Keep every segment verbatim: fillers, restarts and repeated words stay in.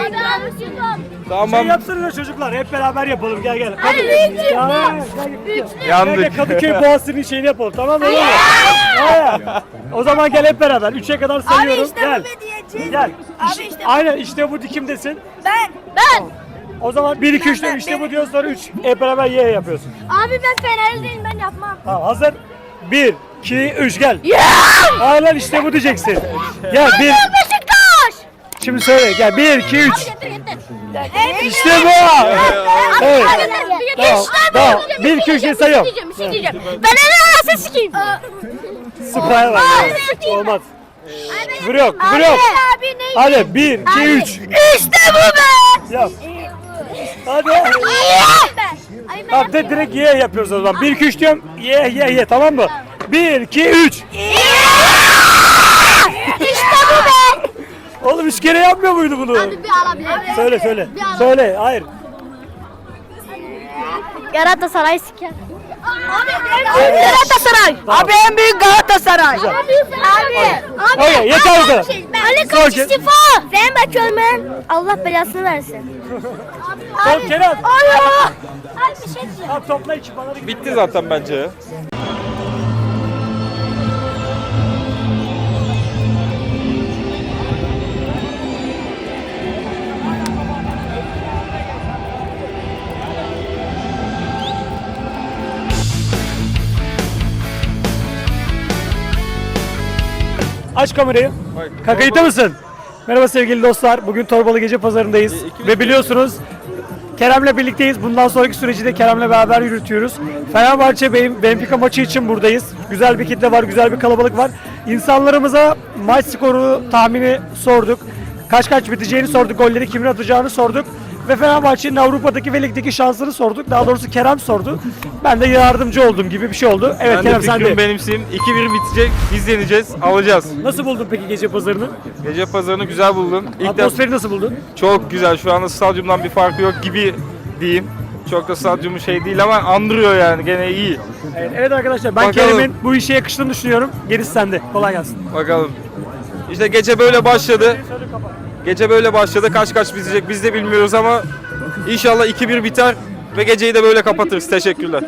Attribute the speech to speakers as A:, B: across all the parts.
A: Tamam.
B: Şey yapsınlar çocuklar, hep beraber yapalım. Gel gel.
C: Hadi
B: Gel,
C: üçlü.
B: gel, gel, gel, gel. Gel,
A: Yandık.
B: gel, Kadıköy Boğazı'nın şeyini yapalım, tamam mı? Hayır. O zaman gel hep beraber. Üçe kadar sayıyorum.
C: işte
B: gel.
C: bu be diyeceğiz.
B: Gel.
C: Abi
B: İşte-
C: işte bu.
B: Aynen işte bu dikimdesin.
C: Ben. Ben.
B: O zaman bir iki üç
C: Ben-
B: işte
C: ben-
B: bu diyor sonra üç. Hep beraber ye yapıyorsun.
C: Abi ben Fenerliyim, ben yapmam.
B: Tamam hazır. bir iki üç gel. Aynen işte bu diyeceksin. Gel bir.
C: Beşiktaş.
B: Şimdi söyle gel bir iki üç.
C: Getir getir.
B: İşte bu. Evet. Tamam. Tamam. Bir iki üç diye sayıyorum.
C: Bir şey diyeceğim. Ben en arası sikeyim.
B: Spraya bak. Olmaz. Küfür yok, küfür yok.
C: Abi ne?
B: Hadi bir iki üç.
C: İşte bu be.
B: Yap. Hadi.
C: Ay
B: Tamam de direkt ye yapıyoruz o zaman. bir iki üç diyorum. Ye ye ye tamam mı? bir iki üç.
C: İşte bu be.
B: Oğlum üç kere yapmıyor muydu bunu?
C: Bir alabilir miyim?
B: Söyle söyle. Söyle hayır.
C: Galatasaray siker. Abi Galatasaray.
B: Abi
C: en büyük Galatasaray. Abi abi. Abi.
B: Okey, yeter bu kadar.
C: Ali Koç
B: Okey.
C: istifa. Ben bakıyorum ben. Allah belasını versin.
B: Tamam Kenan.
C: Allah. Abi bir şey diyeceğim.
B: Tamam topla iki bana da
A: Bitti zaten bence ya.
B: Aç kamerayı. Kakayıta mısın? Merhaba sevgili dostlar. Bugün Torbalı Gece Pazarı'ndayız. Ve biliyorsunuz Kerem'le birlikteyiz. Bundan sonraki süreci de Kerem'le beraber yürütüyoruz. Fenerbahçe Bey- Benfica maçı için buradayız. Güzel bir kitle var, güzel bir kalabalık var. İnsanlarımıza maç skoru tahmini sorduk. Kaç kaç biteceğini sorduk, golleri kimin atacağını sorduk. Ve Fenerbahçe'nin Avrupa'daki ve ligdeki şansını sorduk. Daha doğrusu Kerem sordu. Ben de yardımcı oldum gibi bir şey oldu. Evet
A: Ben de
B: Kerem sen de.
A: fikrimi benimseyim. iki bir bitecek. Biz yeneceğiz. Alacağız.
B: Nasıl buldun peki gece pazarını?
A: Gece pazarını güzel buldum. İlk defa
B: Atmosferi nasıl buldun?
A: çok güzel. Şu anda stadyumdan bir farkı yok gibi diyeyim. Çok da stadyumu şey değil ama andırıyor yani. Gene iyi.
B: Evet, evet arkadaşlar ben
A: Bakalım.
B: Kerem'in bu işe yakıştığını düşünüyorum. Gerisi sende. Kolay gelsin.
A: Bakalım. İşte gece böyle başladı. Gece böyle başladı. Kaç kaç bitecek biz de bilmiyoruz ama inşallah iki bir biter ve geceyi de böyle kapatırız. Teşekkürler.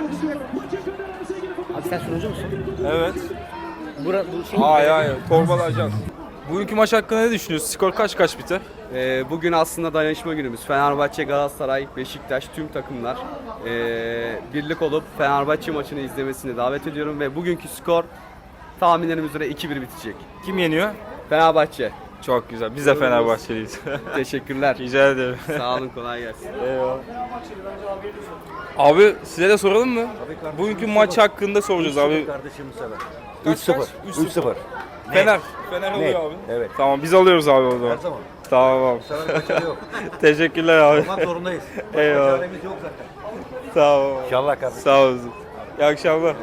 D: Abi sen sunucu musun?
A: Evet.
D: Bura, bu şey
A: Hayır hayır. Torbalı Ajans. Bugünkü maç hakkında ne düşünüyorsun? Skor kaç kaç biter?
E: Ee, bugün aslında dayanışma günümüz. Fenerbahçe, Galatasaray, Beşiktaş tüm takımlar ee, birlik olup Fenerbahçe maçını izlemesini davet ediyorum ve bugünkü skor tahminlerimiz üzere iki bir bitecek.
A: Kim yeniyor?
E: Fenerbahçe.
A: Çok güzel. Biz de Fenerbahçeliyiz.
E: Teşekkürler.
A: Rica ederim.
E: Sağ olun, kolay gelsin.
A: Abi size de soralım mı? Bugünkü maç hakkında soracağız abi.
F: Kardeşim sever.
A: Kaç
F: üç sıfır.
A: kaç?
F: üç sıfır.
A: Fener. Fener oluyor
F: Net.
A: abi.
F: Evet.
A: Tamam biz alıyoruz abi o zaman.
F: Her zaman.
A: Tamam abi.
F: Sever kaçarı yok.
A: Teşekkürler abi.
F: Olmak zorundayız.
A: Eyvallah.
F: Çaremiz yok zaten.
A: Tamam.
F: İnşallah kardeşim.
A: Sağ olasın. İyi akşamlar.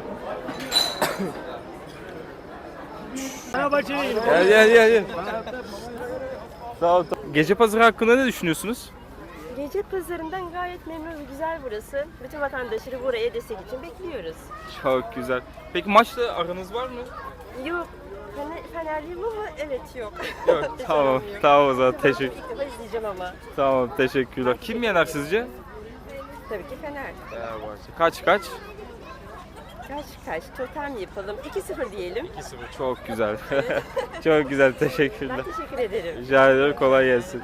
B: Fenerbahçe'ye gelin.
A: Gel gel gel. gel. Sağ ol. Gece pazarı hakkında ne düşünüyorsunuz?
G: Gece pazarından gayet memnun ve güzel burası. Bütün vatandaşları buraya destek için bekliyoruz.
A: Çok güzel. Peki maçla aranız var mı?
G: Yok, Fener, Fenerliyim ama evet yok.
A: Yok. Tamam. Tamam o zaman teşekkür.
G: İlk defa izleyeceğim ama.
A: Tamam teşekkürler. Kim yener sizce?
G: Tabii ki Fener.
A: Fenerbahçe. Kaç kaç?
G: Kaç kaç, totem yapalım. iki sıfır diyelim.
A: Çok güzel. Çok güzel. Teşekkürler.
G: Ben teşekkür ederim.
A: Rica ederim. Kolay gelsin.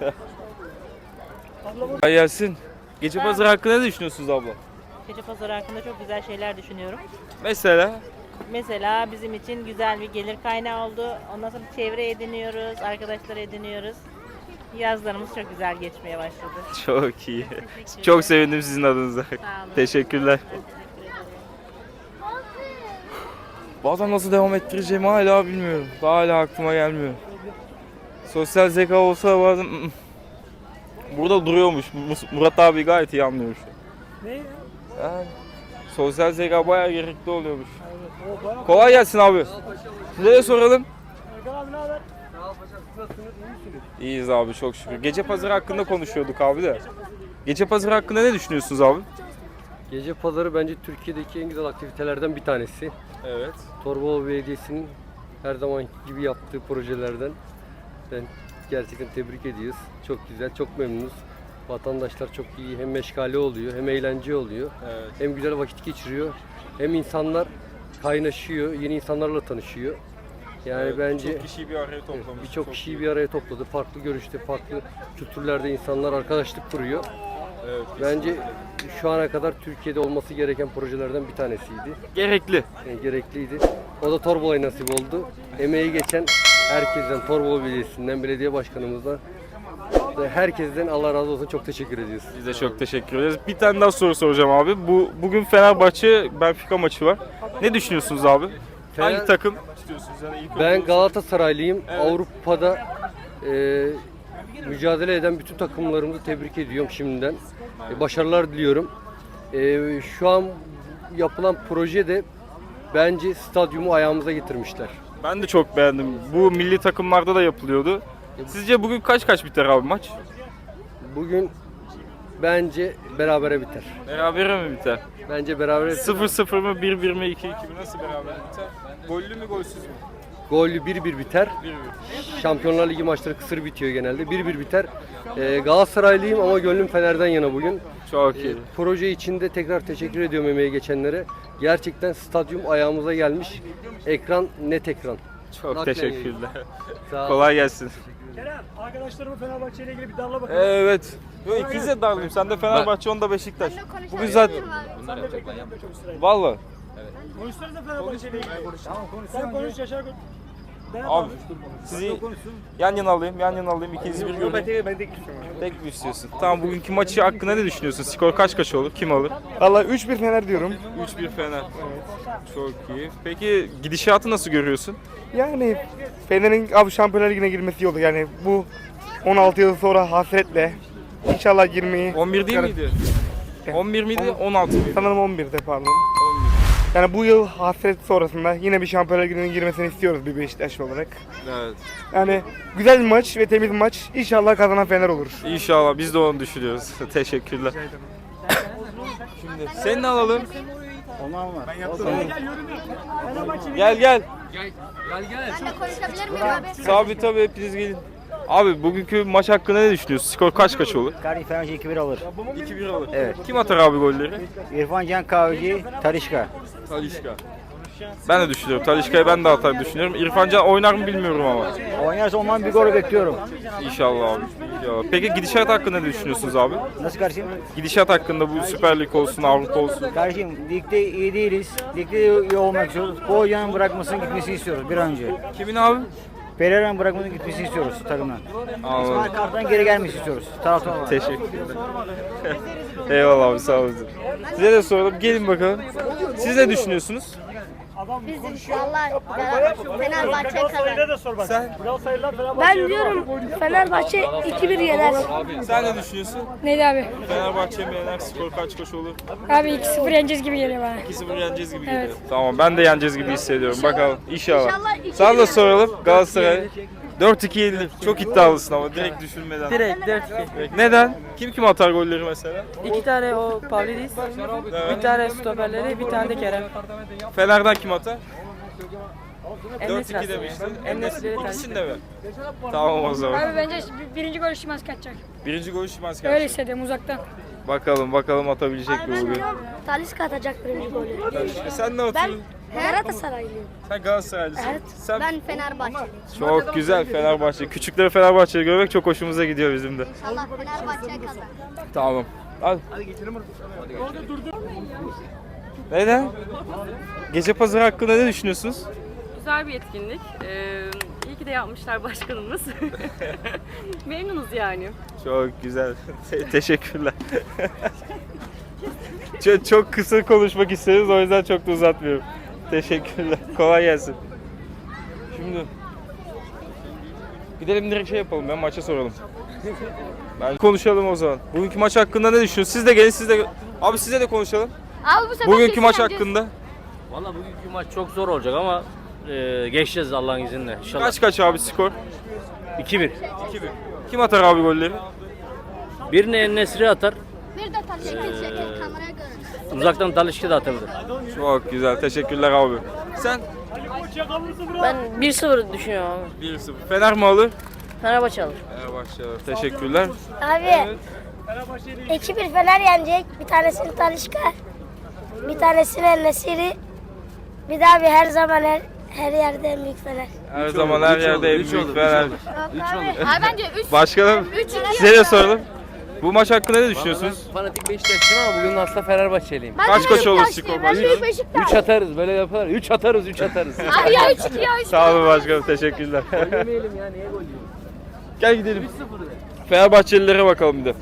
A: Kolay gelsin. Gece pazarı hakkında ne düşünüyorsunuz abla?
H: Gece pazarı hakkında çok güzel şeyler düşünüyorum.
A: Mesela
H: Mesela bizim için güzel bir gelir kaynağı oldu. Ondan sonra çevre ediniyoruz, arkadaşlar ediniyoruz. Yazlarımız çok güzel geçmeye başladı.
A: çok iyi. Çok sevindim sizin adınıza.
H: olun.
A: Teşekkürler. Bazen nasıl devam ettireceğimi hala bilmiyorum. Daha hala aklıma gelmiyor. Sosyal zeka olsa bazen burada duruyormuş. Mus- Murat abi gayet iyi anlıyor şu an.
B: Ne ya?
A: Yani, sosyal zeka bayağı gerekli oluyormuş. Kolay gelsin abi. Size de soralım.
B: Erkan abi ne haber?
A: İyiyiz abi çok şükür. Gece pazarı hakkında konuşuyorduk abi de. Gece pazarı hakkında ne düşünüyorsunuz abi?
D: Gece pazarı bence Türkiye'deki en güzel aktivitelerden bir tanesi.
A: Evet.
D: Torbalı Belediyesi'nin her zaman gibi yaptığı projelerden. Ben Gerçekten tebrik ediyoruz. Çok güzel, çok memnunuz. Vatandaşlar çok iyi. Hem meşgale oluyor, hem eğlence oluyor.
A: Evet.
D: Hem güzel vakit geçiriyor. Hem insanlar kaynaşıyor, yeni insanlarla tanışıyor. Yani
A: Evet,
D: bence
A: birçok kişiyi bir araya toplamış.
D: birçok
A: Çok
D: kişiyi
A: iyi.
D: bir araya topladı. Farklı görüşte, farklı kültürlerde insanlar arkadaşlık kuruyor.
A: Evet,
D: Bence şu ana kadar Türkiye'de olması gereken projelerden bir tanesiydi.
A: gerekli.
D: Yani gerekliydi. O da Torbalı'ya nasip oldu. Emeği geçen herkesten, Torbalı Belediyesi'nden, belediye başkanımızdan ve herkesten Allah razı olsun, çok teşekkür ediyoruz.
A: Biz de çok teşekkür ederiz. Bir tane daha soru soracağım abi. Bu bugün Fenerbahçe Benfica maçı var. Ne düşünüyorsunuz abi?
D: Fener-
A: Hangi takım istiyorsunuz? Yani ilk
D: Ben
A: önce-
D: Galatasaraylıyım.
A: Evet.
D: Avrupa'da e, mücadele eden bütün takımlarımızı tebrik ediyorum şimdiden. E, başarılar diliyorum. E, şu an yapılan proje de bence stadyumu ayağımıza getirmişler.
A: Ben de çok beğendim. Bu milli takımlarda da yapılıyordu. Sizce bugün kaç kaç biter abi maç?
D: Bugün bence berabere biter.
A: Berabere mi biter?
D: Bence berabere biter.
A: sıfır sıfır mı, bir bir mi, iki iki mi? Nasıl berabere biter? Gollü mü, golsüz mü?
D: Gollü bir bir biter.
A: bir bir.
D: Şampiyonlar Ligi maçları kısır bitiyor genelde. bir bir biter. E, Galatasaraylıyım ama gönlüm Fener'den yana bugün.
A: Çok
D: E,
A: iyi.
D: proje için de tekrar teşekkür ediyorum emeği geçenlere. Gerçekten stadyum ayağımıza gelmiş. Ekran net ekran.
A: Çok
D: Naklen
A: teşekkürler.
D: Sağ ol.
A: Kolay gelsin.
B: Kerem, arkadaşlarımı Fenerbahçe ile ilgili bir darla bakalım.
A: Evet. Yo, ikiniz de darlıyım. Sen de Fenerbahçe, onda Beşiktaş. Bugün zaten... Valla.
B: Konuşsanıza Fenerbahçe ile ilgili. Tamam konuş. Sen konuş Yaşar konuş.
A: Abi sizi yan yana alayım, yan yana alayım. İkiniz bir görün. Tek mi istiyorsun? Tamam, bugünkü maçı hakkında ne düşünüyorsun? Skor kaç kaç olur? Kim alır?
F: Valla üç bir Fener diyorum.
A: üç bir Fener. Çok iyi. Peki gidişatı nasıl görüyorsun?
F: Yani Fener'in abi Şampiyonlar Ligi'ne girmesi iyi olur. Yani bu on altı yıl sonra hasretle inşallah girmeyi...
A: on bir değil miydi? on bir miydi? on altı mıydı?
F: Sanırım on birde pardon.
A: on bir.
F: Yani bu yıl hasret sonrasında yine bir Şampiyonlar Ligi'ne girmesini istiyoruz bir Beşiktaşlı olarak.
A: Evet.
F: Yani güzel bir maç ve temiz bir maç. İnşallah kazanan Fener olur.
A: İnşallah biz de onu düşünüyoruz. Teşekkürler. Şimdi seni de alalım. Gel gel.
C: Ben de konuşabilir miyim abi?
A: Sabit tabii, hepiniz gelin. Abi bugünkü maç hakkında ne düşünüyorsun? Skor kaç kaç olur?
I: Gari Fenerbahçe iki bir alır.
A: iki bir olur.
I: Evet.
A: Kim atar abi golleri?
I: İrfan Can Kahveci, Talişka.
A: Talişka. Ben de düşünüyorum. Talişka'yı ben de atar düşünüyorum. İrfan Can oynar mı bilmiyorum ama.
I: Oynarsa ondan bir gol bekliyorum.
A: İnşallah abi. İnşallah. Peki gidişat hakkında ne düşünüyorsunuz abi?
I: Nasıl kardeşim?
A: Gidişat hakkında bu Süper Lig olsun, Avrupa olsun.
I: Kardeşim ligde iyi değiliz. Ligde iyi olmak istiyoruz. Bu hocanın bırakmasını gitmesini istiyoruz bir an önce.
A: Kimin abi?
I: Pereira'nın bırakmasını gitmesini istiyoruz takımdan.
A: Anladım.
I: İsmail Kartal'dan geri gelmesini istiyoruz. Taraftar olarak.
A: Teşekkürler. Eyvallah abi, sağ olun. Size de soralım. Gelin bakalım. Siz ne düşünüyorsunuz?
C: Biz valla Fenerbahçe
B: Galatasaray'la
C: kazanır.
B: da sor bak.
A: Sen?
B: Galatasaray'la Fenerbahçe.
C: Ben diyorum Fenerbahçe iki bir yener.
A: Sen ne düşünüyorsun?
J: Neydi abi?
A: Fenerbahçe mi yener? Skor kaç kaç olur?
J: Abi iki sıfır yeneceğiz gibi geliyor bana.
A: iki sıfır yeneceğiz gibi
J: Evet.
A: geliyor. Tamam, ben de yeneceğiz gibi hissediyorum. Bakalım. İnşallah.
C: İnşallah iki
A: Sana da
C: bir
A: soralım. Galatasaray dört iki yenilir. Çok iddialısın ama direkt düşünmeden.
K: Direkt dört iki.
A: Neden? Kim kim atar golleri mesela?
K: İki tane o Pavlidis, bir tane stoperleri, bir tane de Kerem.
A: Fener'den kim atar? dört
K: En-Nesyri
A: iki
K: aslında.
A: demiştin.
K: En-Nesyri'leri tercih
A: İkisini de mi? Tamam o zaman.
J: Abi bence bir- birinci gol Şimanski kaçacak.
A: Birinci golü Şimanski
J: Öyle
A: atacak.
J: hissediyorum uzaktan.
A: Bakalım bakalım atabilecek mi
C: Ben
A: bugün?
C: diyorum Talisca atacak birinci golü.
A: E sen ne
C: Ben
A: atıyorsun?
C: Galatasaraylıyım.
A: Sen Galatasaraylısın.
C: Evet.
A: Sen
C: Ben Fenerbahçeliyim.
A: çok güzel Fenerbahçe. Küçükleri Fenerbahçe'yi görmek çok hoşumuza gidiyor bizim de.
C: Allah Fenerbahçe kazanır.
A: Tamam. Hadi. Hadi geçelim Neden? Gece pazarı hakkında ne düşünüyorsunuz?
K: Güzel bir etkinlik. Ee, iyi ki de yapmışlar başkanımız. Memnunuz yani.
A: Çok güzel. Te- teşekkürler. çok, çok kısa konuşmak isteriz, o yüzden çok da uzatmıyorum. Teşekkürler. Kolay gelsin. Şimdi gidelim direkt şey yapalım. Ben maça soralım. Ben konuşalım o zaman. Bugünkü maç hakkında ne düşünüyorsunuz? Siz de gelin, siz de abi size de konuşalım.
C: Abi bu sefer
A: Bugünkü
C: kesin
A: maç
C: yeneceğiz.
A: hakkında
L: Valla bugünkü maç çok zor olacak ama e, geçeceğiz Allah'ın izniyle. İnşallah.
A: kaç kaç abi skor?
L: iki bir.
A: iki bir. Kim atar abi golleri?
L: Birini En-Nesyri atar.
C: Bir de Talisca çekin kameraya göre.
L: Uzaktan Talişka da atabilir.
A: Çok güzel. Teşekkürler abi. Sen
K: Ben bir sıfır düşünüyorum abi.
A: bir sıfır. Fener mi alır?
H: Fenerbahçe alır.
A: Fenerbahçe alır. Teşekkürler.
C: Abi iki bir Fener yenecek. Bir tanesini Talisca. Bir tanesini El-Nesiri. Bir daha bir her zaman her, her yerde en büyük Fener.
A: Her zaman her yerde en büyük Fener.
C: Abi
K: bence üç
A: Başkanım size de soralım. Bu maç hakkında ne düşünüyorsunuz?
D: Fanatik Beşiktaşlıyım ama bugün aslında Fenerbahçeliyim.
A: Kaç kaç olur skor maçı?
D: üç atarız böyle yaparlar. üç atarız, üç atarız.
K: Abi ya üç iki ya üç.
A: Sağ olun başkanım, teşekkürler.
D: Yemeyelim ya, niye gol yiyoruz?
A: Gel gidelim. Fenerbahçelilere bakalım bir de.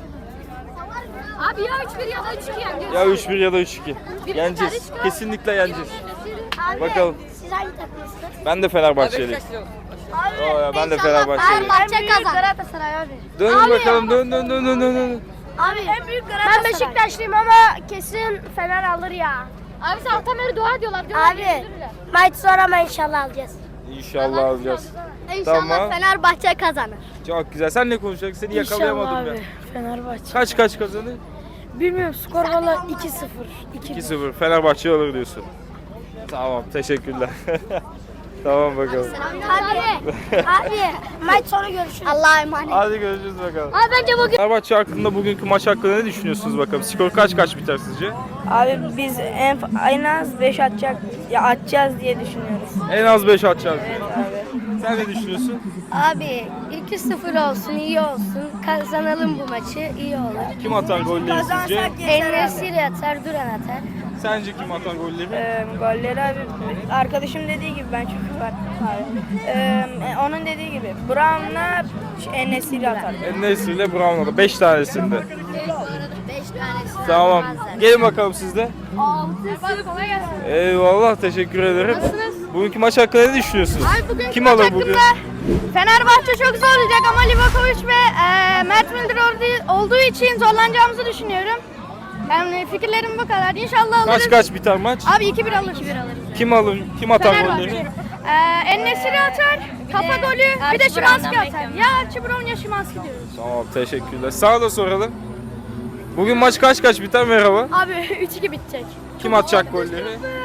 K: Abi ya üç bir ya da üç iki yani.
A: Ya üç bir ya da üç iki. Yeneceğiz. Kesinlikle yeneceğiz.
C: Abi,
A: Bakalım.
C: Siz hangi takımlısınız?
A: Ben de Fenerbahçeliyim. Oo ya, ben de Fenerbahçeliyim.
C: Fenerbahçe kazan. Galatasaray abi.
A: Dön bakalım, dön dön dön dön dön. dön.
C: Abi en büyük Galatasaray. Ben Beşiktaşlıyım ama kesin Fener alır ya.
K: Abi sabahtan beri dua diyorlar.
C: Abi maç sonra ama inşallah alacağız.
A: İnşallah alacağız.
C: İnşallah
A: Tamam.
C: Fenerbahçe kazanır.
A: Çok güzel. Sen ne konuşacaksın? Seni yakalayamadım ben.
B: Fenerbahçe.
A: Kaç kaç kazanır?
B: Bilmiyorum skor valla iki sıfır.
A: iki sıfır. Fenerbahçe alır diyorsun. Tamam, teşekkürler. Tamam bakalım.
C: Abi, abi maç sonu görüşürüz. Allah'a emanet.
A: Hadi görüşürüz bakalım.
C: Abi bence bugün...
A: Fenerbahçe hakkında, bugünkü maç hakkında ne düşünüyorsunuz bakalım? Skor kaç kaç biter sizce?
J: Abi biz en, en az beş atacak ya atacağız diye düşünüyoruz.
A: En az beş atacağız.
J: Evet abi.
A: Sen ne düşünüyorsun?
C: Abi iki sıfır olsun, iyi olsun. Kazanalım bu maçı, iyi olur.
A: Kim atar golleri sizce?
C: El-Nesiri atar, Duran atar.
A: Sence kim atar golleri?
J: Ee, golleri abi arkadaşım dediği gibi ben çünkü var abi. Ee, onun dediği gibi Brown'la En-Nesyri atar.
A: En-Nesyri ile Brown'la beş tanesinde.
C: Beş tanesi.
A: Tamam. Gelin bakalım siz de.
C: Kolay gelsin.
A: Eyvallah, teşekkür ederim. Bugünkü maç hakkında ne düşünüyorsunuz?
C: Abi bugünkü
A: Kim
C: maç
A: alır
C: hakkında
A: bugün?
C: Fenerbahçe çok zor olacak ama Livakovic ve e, Mert Müldür olduğu, olduğu için zorlanacağımızı düşünüyorum. Yani fikirlerim bu kadar. İnşallah alırız.
A: Kaç kaç biter maç?
C: Abi iki bir alırız. iki bir alırız.
A: Kim alır? Kim atar
C: Fenerbahçe.
A: golleri?
C: Ee, En-Nesyri atar, kafa golü, bir de Şimanski atar. Ya Archibron ya Şimanski diyoruz.
A: Tamam, teşekkürler. Sana da soralım. Bugün maç kaç kaç biter? Merhaba.
C: Abi üç iki bitecek.
A: Kim atacak golleri?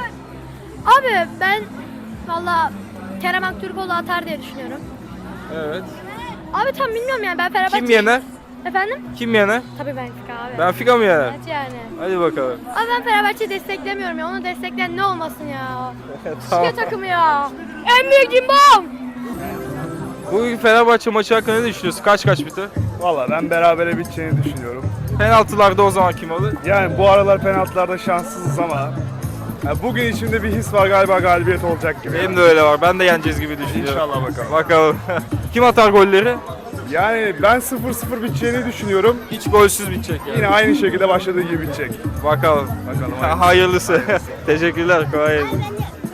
C: Abi ben valla Kerem Aktürkoğlu atar diye düşünüyorum.
A: Evet.
C: Abi tam bilmiyorum yani ben Fenerbahçe...
A: Kim yener?
C: Efendim?
A: Kim yener?
C: Tabii Benfica abi.
A: Benfica mı yener?
C: Evet yani.
A: Hadi bakalım.
C: Abi ben Fenerbahçe'yi desteklemiyorum ya. Onu destekleyen ne olmasın ya.
A: Tamam.
C: Şike takımı ya. En büyük cimbom.
A: Bugün Fenerbahçe maçı hakkında ne düşünüyorsun? Kaç kaç biter?
F: Valla ben berabere biteceğini düşünüyorum.
A: Penaltılarda o zaman kim alır?
F: Yani bu aralar penaltılarda şanssızız ama yani bugün içimde bir his var, galiba galibiyet olacak gibi.
A: Benim de öyle var. Ben de yeneceğiz gibi düşünüyorum.
F: İnşallah bakalım.
A: Bakalım. Kim atar golleri?
F: Yani ben sıfır sıfır biteceğini düşünüyorum.
A: Hiç golsüz bitecek yani.
F: Yine aynı şekilde başladığı gibi bitecek.
A: Bakalım.
F: Bakalım.
A: Hayırlısı. Teşekkürler. Kolay gelsin.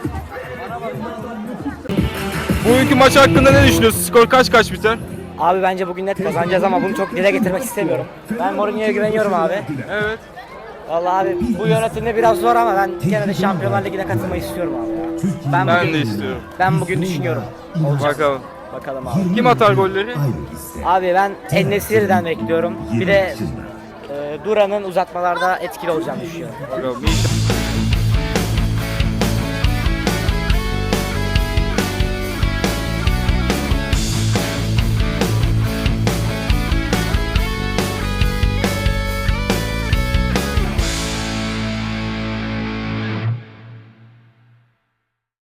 A: Bugünkü maç hakkında ne düşünüyorsun? Skor kaç kaç biter?
I: Abi bence bugün net kazanacağız ama bunu çok dile getirmek istemiyorum. Ben Mourinho'ya güveniyorum abi.
A: Evet.
I: Vallahi abi bu yönetimde biraz zor ama ben gene de Şampiyonlar Ligi'ne katılmayı istiyorum abi ya. Ben,
A: Ben
I: bugün,
A: de istiyorum.
I: Ben bugün düşünüyorum. Olacak.
A: Bakalım.
I: Bakalım abi.
A: Kim atar golleri?
I: Abi ben En-Nesyri'den bekliyorum. Bir de e, Duran'ın uzatmalarda etkili olacağını düşünüyorum.
A: Bakalım. İnşallah.